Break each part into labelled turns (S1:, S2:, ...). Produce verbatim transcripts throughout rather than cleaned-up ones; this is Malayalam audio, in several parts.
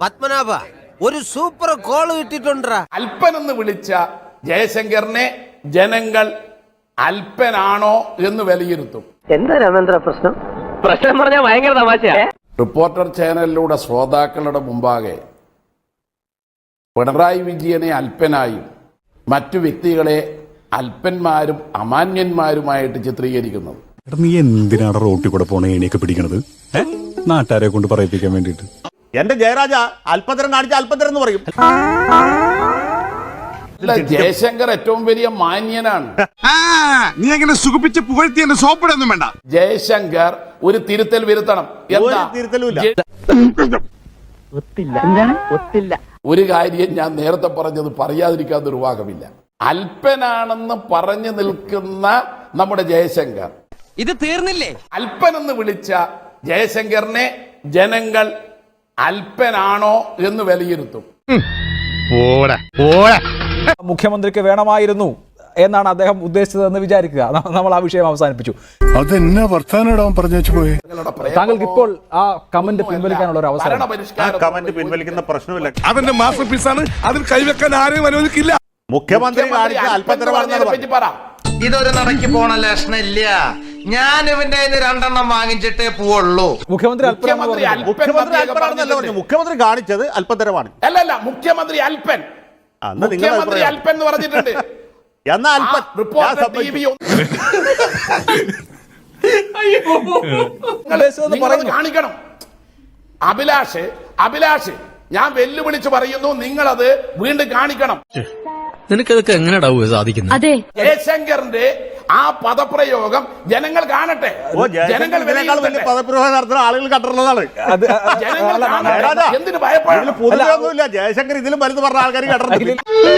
S1: പത്മനാഭ ഒരു സൂപ്പർ കോള് കിട്ടിട്ടുണ്ടാ.
S2: അല്പൻ എന്ന് വിളിച്ച ജയശങ്കറിനെ ജനങ്ങൾ അല്പനാണോ എന്ന് വിലയിരുത്തും.
S3: എന്താ രാമേന്ദ്ര പ്രശ്നം? പ്രശ്നം പറഞ്ഞാൽ ഭയങ്കര തമാശയാ.
S2: റിപ്പോർട്ടർ ചാനലിലൂടെ ശ്രോതാക്കളുടെ മുമ്പാകെ പിണറായി വിജയനെ അല്പനായും മറ്റു വ്യക്തികളെ അല്പന്മാരും അമാന്യന്മാരുമായിട്ട് ചിത്രീകരിക്കുന്നത്.
S4: നീ എന്തിനാണ് റോട്ടിൽ കൂടെ പോണ ഏണിയൊക്കെ പിടിക്കണത്? നാട്ടുകാരെ കൊണ്ട് പറയിപ്പിക്കാൻ വേണ്ടിട്ട്.
S5: എന്റെ ജയരാജ അല്പതരം കാണിച്ച അല്പതരം എന്ന് പറയും.
S2: ജയശങ്കർ ഏറ്റവും വലിയ മാന്യനാണ്.
S6: നീ അങ്ങനെ സുഖിപ്പിച്ച് പുകഴ്ത്തി എന്നെ സോപ്പിടൊന്നും വേണ്ട.
S2: ജയശങ്കർ ഒരു തിരുത്തൽ വരുത്തണം. എന്താ
S5: തിരുത്തലുമില്ല.
S2: ഒരു കാര്യം ഞാൻ നേരത്തെ പറഞ്ഞത് പറയാതിരിക്കാൻ നിർവാഹമില്ല. അല്പനാണെന്ന് പറഞ്ഞു നിൽക്കുന്ന നമ്മുടെ ജയശങ്കർ
S1: ഇത് തീർന്നില്ലേ?
S2: അല്പൻ എന്ന് വിളിച്ച ജയശങ്കറിനെ ജനങ്ങൾ അല്പനാണോ എന്ന് വിലയിരുത്തും.
S7: മുഖ്യമന്ത്രിക്ക് വേണമായിരുന്നു എന്നാണ് അദ്ദേഹം ഉദ്ദേശിച്ചതെന്ന് വിചാരിക്കുക. നമ്മൾ ആ വിഷയം അവസാനിപ്പിച്ചു.
S4: അതെന്നാ വർത്താനം പറഞ്ഞു വെച്ചു പോയി.
S7: താങ്കൾക്ക് ഇപ്പോൾ ആ കമന്റ് പിൻവലിക്കാനുള്ള ഒരു അവസരം.
S5: കമന്റ് പിൻവലിക്കുന്ന പ്രശ്നമില്ല.
S6: അവന്റെ മാസ്റ്റർ പീസാണ്, അതിൽ കൈവെക്കാൻ ആരെയും അനുവദിക്കില്ല.
S5: മുഖ്യമന്ത്രി കാണിച്ച അല്പതരം
S1: ഇതൊരു നടക്കി പോണ ലക്ഷണില്ല. ഞാൻ ഇവന്റെ രണ്ടെണ്ണം വാങ്ങിച്ചിട്ടേ പോവുള്ളൂ.
S7: മുഖ്യമന്ത്രി
S2: മുഖ്യമന്ത്രി
S5: മുഖ്യമന്ത്രി അല്പനാണെന്നല്ല പറഞ്ഞു. മുഖ്യമന്ത്രി കാണിച്ചത് അല്പതരമാണ്.
S2: അല്ല അല്ല മുഖ്യമന്ത്രി അല്പൻ മുഖ്യമന്ത്രി അല്പൻ എന്ന് പറഞ്ഞിട്ടുണ്ട്.
S5: എന്നാ അല്പൻ
S2: റിപ്പോർട്ടർ ടി വി കാണിക്കണം. അഭിലാഷ് അഭിലാഷ് ഞാൻ വെല്ലുവിളിച്ച് പറയുന്നു, നിങ്ങളത് വീണ്ടും കാണിക്കണം.
S8: നിനക്കതൊക്കെ എങ്ങനെയാ സാധിക്കുന്നത്?
S2: ജയശങ്കറിന്റെ ആ പദപ്രയോഗം ജനങ്ങൾ കാണട്ടെ. ജനങ്ങൾ
S5: പദപ്രയോഗം നടത്തുന്ന ആളുകൾ കണ്ടിട്ടുള്ളതാണ്.
S2: എന്തിനു ഭയപ്പെടുന്നു?
S5: പൊതുവെയൊന്നുമില്ല. ജയശങ്കർ ഇതിലും വലുത് പറഞ്ഞ ആൾക്കാർ കണ്ടിട്ടില്ല.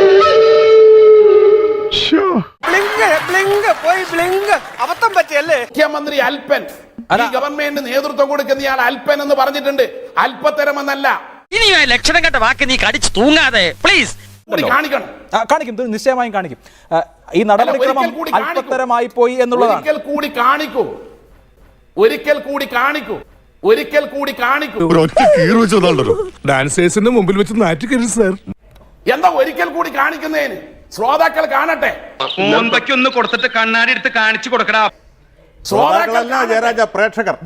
S1: അബദ്ധം പറ്റിയല്ലേ?
S2: മുഖ്യമന്ത്രി അല്പൻ ഈ ഗവൺമെന്റ് നേതൃത്വം കൊടുക്കുന്നയാൾ അല്പൻ എന്ന് പറഞ്ഞിട്ടുണ്ട്. അല്പത്തരമെന്നല്ല.
S8: ഇനി ലക്ഷണം കെട്ട വാക്ക് നീ കടിച്ചു തൂങ്ങാതെ പ്ലീസ്
S2: കാണിക്കണം.
S7: കാണിക്കും, നിശ്ചയമായും കാണിക്കും. ഈ നടപടിക്രമം അല്പത്തരമായി പോയി എന്നുള്ളതാണ്.
S2: ഒരിക്കൽ കൂടി കാണിക്കൂ, ഒരിക്കൽ കൂടി കാണിക്കൂ, ഒരിക്കൽ കൂടി കാണിക്കൂ.
S6: ഡാൻസേഴ്സിന്റെ മുമ്പിൽ വെച്ച് നാറ്റിക്കരുത് സാർ.
S2: എന്താ ഒരിക്കൽ കൂടി കാണിക്കുന്നതിന്? ശ്രോതാക്കൾ കാണട്ടെ.
S9: ഒന്ന് കൊടുത്തിട്ട് കണ്ണാടി എടുത്ത് കാണിച്ചു കൊടുക്കടാ.
S5: ജയരാജ പ്രേക്ഷകർ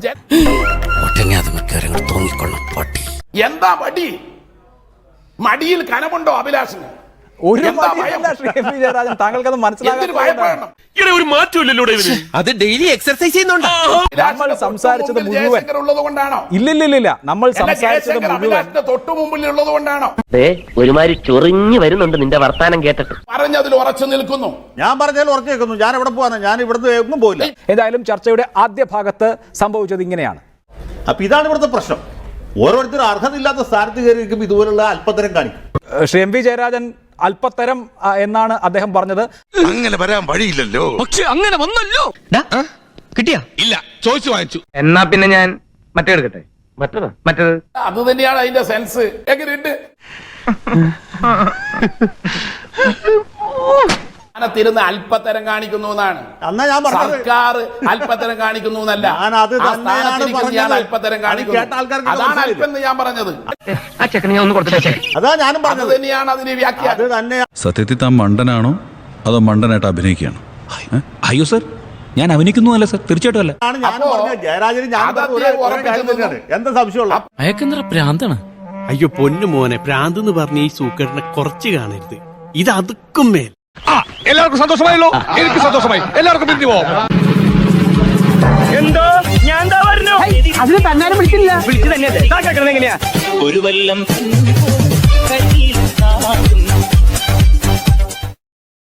S2: എന്താ മടി? മടിയിൽ കനമുണ്ടോ അഭിലാഷിന്?
S7: ഒരു ജയരാജൻ താങ്കൾക്ക് അത് മനസ്സിലാകാൻ
S9: ഒരു മാറ്റമില്ലല്ലോ.
S1: അത് ഡെയിലി എക്സർസൈസ് ചെയ്യുന്നുണ്ടോ?
S7: നമ്മൾ സംസാരിച്ചത് മുഴുവൻ
S2: ഉള്ളത് കൊണ്ടാണോ?
S7: ഇല്ലില്ലില്ല, നമ്മൾ സംസാരിച്ചത് മുഴുവൻ
S2: തൊട്ടു മുമ്പിൽ ഉള്ളത് കൊണ്ടാണോ?
S3: ഒരുമാതിരി ചൊറിഞ്ഞു വരുന്നുണ്ട് നിന്റെ വർത്താനം കേട്ടിട്ട്.
S2: പറഞ്ഞതിൽ ഉറച്ചു നിൽക്കുന്നു.
S5: ഞാൻ പറഞ്ഞതിൽ ഉറച്ചു നിൽക്കുന്നു. ഞാൻ എവിടെ പോവാണ്? ഞാൻ ഇവിടുന്ന് എങ്ങും പോയില്ല.
S7: ഏതായാലും ചർച്ചയുടെ ആദ്യ ഭാഗത്ത് സംഭവിച്ചത് ഇങ്ങനെയാണ്.
S5: അപ്പൊ ഇതാണ് ഇവിടുത്തെ പ്രശ്നം. ഓരോരുത്തരും അർഹതയില്ലാത്ത സ്ഥാനത്ത് കയറിയിരിക്കും ഇതുപോലുള്ള അല്പത്തരം കാണിക്കും.
S7: ശ്രീ എം വി ജയരാജൻ അല്പത്തരം എന്നാണ് അദ്ദേഹം പറഞ്ഞത്.
S6: അങ്ങനെ വരാൻ വഴിയില്ലല്ലോ.
S8: പക്ഷെ അങ്ങനെ വന്നല്ലോ. കിട്ടിയാ?
S6: ഇല്ല, ചോദിച്ചു വാങ്ങിച്ചു.
S8: എന്നാ പിന്നെ ഞാൻ മറ്റേ എടുക്കട്ടെ.
S3: മറ്റേതാ
S8: മറ്റേത്
S2: അത് തന്നെയാണ് അതിന്റെ സെൻസ്. എങ്ങനെയുണ്ട്? തിരുന്ന് അല്പത്തരം കാണിക്കുന്നു എന്നാണ്.
S5: എന്നാ ഞാൻ പറഞ്ഞത്
S2: സർക്കാർ അല്പത്തരം കാണിക്കുന്നു എന്നല്ല.
S5: ഞാൻ അത് തന്നെയാണ്
S2: അല്പത്തരം കാണിക്കുന്നു. അതാണ് അല്പം എന്ന് ഞാൻ പറഞ്ഞത്.
S5: അതാ ഞാനും പറഞ്ഞത്.
S2: തന്നെയാണ് അതിന്റെ വ്യാഖ്യാനം.
S5: തന്നെ
S4: സത്യത്തിൽ താൻ മണ്ടനാണോ അതോ മണ്ടനായിട്ട് അഭിനയിക്കുകയാണോ?
S8: അയ്യോ സർ, ഞാൻ അഭിനയിക്കുന്നു അല്ല സർ, തീർച്ചയായിട്ടും അല്ല.
S5: ഞാൻ പറഞ്ഞത് ജയരാജന് ഞാൻ എന്താ സംശയമുള്ള?
S8: അയക്കെന്തറ പ്രാന്താണ്.
S9: അയ്യോ പൊന്നു മോനെ, പ്രാന്ത് എന്ന് പറഞ്ഞ ഈ സൂക്കറിനെ കുറച്ച് കാണരുത്. ഇത് അതുക്കും മേൽ.
S6: എല്ലാവർക്കും സന്തോഷമായല്ലോ? എനിക്ക് സന്തോഷമായി. എല്ലാവർക്കും പിരിഞ്ഞു പോവാം.
S9: എന്തോ ഞാൻ എന്താ പറഞ്ഞു?
S3: അതിന് തന്നാലും വിളിച്ചില്ല.
S9: വിളിച്ചു തന്നെ എങ്ങനെയാ?
S8: ഒരു വല്ലം